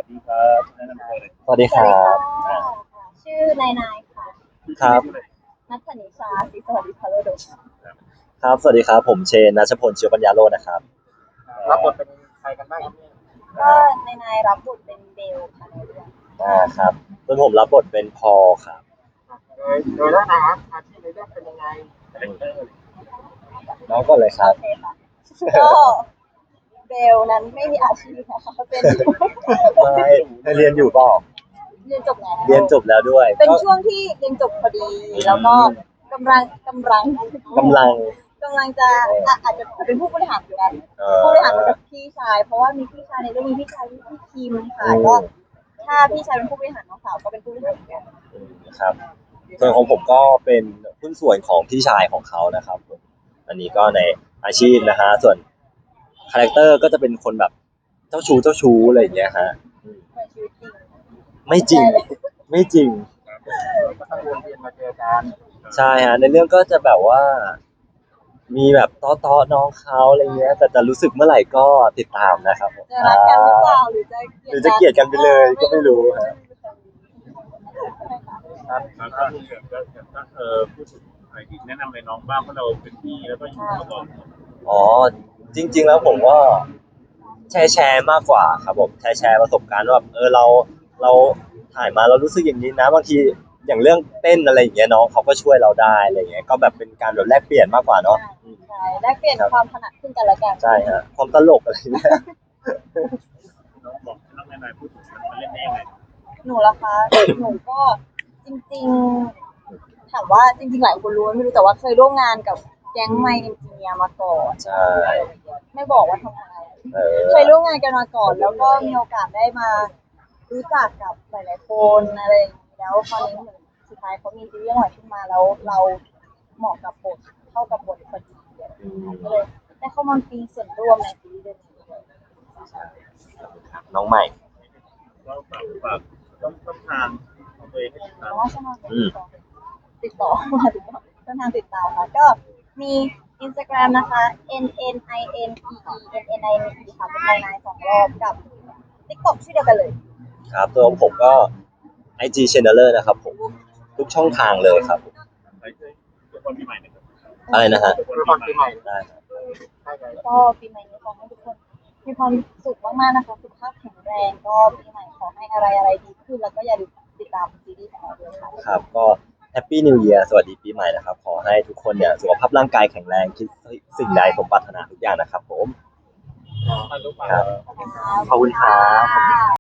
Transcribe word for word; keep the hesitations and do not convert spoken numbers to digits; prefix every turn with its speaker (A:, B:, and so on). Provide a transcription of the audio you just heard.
A: ดีครับแนะนำตัวเลย
B: สวัสดีค
C: สวัสดี
B: รับ
C: ค่ะชื่อนายนายค่ะ
B: ครับ
C: นัทธนิชาศรีสวัสดิ์พาโรดม
B: ครับสวัสดีครับผมเชนนัชพลเชียวปัญญาโรจน์นะครับ
A: รับบทเป็นใครกันบ้างครับเนี่ย
C: ก็นายนายรับบทเป็นเบลค่ะในเรื่อง
B: อ่าครับส่วนผมรับบทเป็นพอลครับ
A: โดยโดยแล้วนะครับอาชีพในเรื่องเป็นยังไงคาแรคเตอร์
B: น้องก็เลยค
C: โอ
B: รับ
C: เคค่ะก็เบลนั้นไม่มีอาชีพนะคะเป็น
B: ไม่ให้เรียนอยู่เปล่า
C: เรียนจบแล้ว
B: เรียนจบแล้วด้วย
C: เป็น
B: ก็
C: ช่วงที่เรียนจบพอดีแล้วก็กำลังกำลัง
B: กำลัง
C: กำลังจะอ่ะอาจจะเป็นผู้บริหารเหมือนกัน
B: เอ่
C: ผู้บริหารเหมือน
B: อ
C: กับพี่ชายเพราะว่ามีพี่ชายในเรื่องมีพี่ชายที่พี่คิมค่ะ
B: อื
C: ก็
B: ม
C: ถ้าพี่ชายเป็นผู้บริหารน้องสาวก็เป็นผู้บริหารเหมือนกัน
B: อืมครับส่วนของผมก็เป็นหุ้นส่วนของพี่ชายของเขานะครับผมอันนี้ก็ในอาชีพนะฮะส่วนคาแรคเตอร์ก็จะเป็นคนแบบเจ้าชู้เจ้าชู้อะไรอย่างเงี้ยฮะอืม
C: เหมือนชีวิตจริง
B: ไม่จริงไม่จริง
A: ก็ต้องวนเวียนมาเจอกัน
B: ใช่ฮะในเรื่องก็จะแบบว่ามีแบบต้อต้อน้องเขาอะไรเงี้ยแต่จะรู้สึกเมื่อไหร่ก็ติดตามนะครับผม
C: จะรักกันหรือเปล่าหรือจะเกลียด
B: หรือจะเกลียดกันไปเลยก็ไม่รู้ฮะ
A: ครับแล้วก็มีแบบก็เออพูดถึงอะไรอีกแนะนำเลยน้องบ้างเพราะเราเป็นพี่แล้วก็อยู่มาก่อน
B: อ๋อจริงๆแล้วผมก็แชร์แชร์มากกว่าครับผมแชร์แชร์ประสบการณ์ว่าแบบเออเราเราถ่ายมาเรารู้สึกอย่างนี้นะบางทีอย่างเรื่องเต้นอะไรอย่างเงี้ยน้องเขาก็ช่วยเราได้อะไรอย่างเงี้ยก็แบบเป็นการแบบแลกเปลี่ยนมากกว่าเนาะอืม
C: ใช่แลกเปลี่ยนความถนัดซึ่งกันและกัน
B: ใช่ฮะความตลกอะไรเงี้ย
A: น้องบอกน้องนายพูดถึงมันมันเล่นได้ยังไง
C: หนูล่ะคะหนูก็จริงๆถามว่าจริงๆหลายคนรู้ไม่รู้แต่ว่าเคยร่วมงานกับแก๊งไมค์เอนจิเนียร์มาก่อน
B: ใช่
C: ไม่บอกว่าทำอะไร
B: เอ
C: เคย
B: อ
C: ร่วมงานกันมาก่อนแล้วก็มีโอกาสได้มารู้จักกับหลายๆคนอะไรอย่างนี้แล้วคราวนี้เหมือนสุดท้ายเขามีซีรีส์หน่อยขึ้นมาแล้วเราเหมาะกับบทเข้ากับบทพอดีก็เลยได้เข้ามามีส่วนร่วมในซีรีส์เรื่องนี้ด้วย
B: น้องใหม่
A: ก็ฝากฝากต้องต้องทางของตัวเองให้ติดตาม
C: เพราะว่าช่องทางติดต่อมาติดต่อช่องทางติดตามค่ะก็มี Instagram นะคะ n n i n e e n n i n e ค่ะเป็นนายนายสองรอบกับ TikTok ชื่อเดียวกันเลย
B: ครับตัวผมก็ ไอ จี Channeler นะครับผมทุกช่องทางเลยครับผม
A: ไปเจอทุกคนปีใหม่นะครับ
B: อะไรนะฮะ
A: ทุกคนปีใหม่
B: ได้ครับ
A: ใช่ไหม
C: ก็ปีใหม่นี้ขอให้ทุกคนมีความสุขมากๆนะคะสุขภาพแข็งแรงก็ปีใหม่ขอให้อะไรอะไรดีขึ้นแล้วก็อย่าลืมติดตามซีรีส์ของเราด้วยค่ะ
B: ครับก็แฮปปี้นิวเยียร์สวัสดีปีใหม่นะครับขอให้ทุกคนเนี่ยสุขภาพร่างกายแข็งแรงคิดสิ่งใดสมปรารถนาทุกอย่างนะครับผม
A: มาลุกมา
B: ครับขอบคุณครับ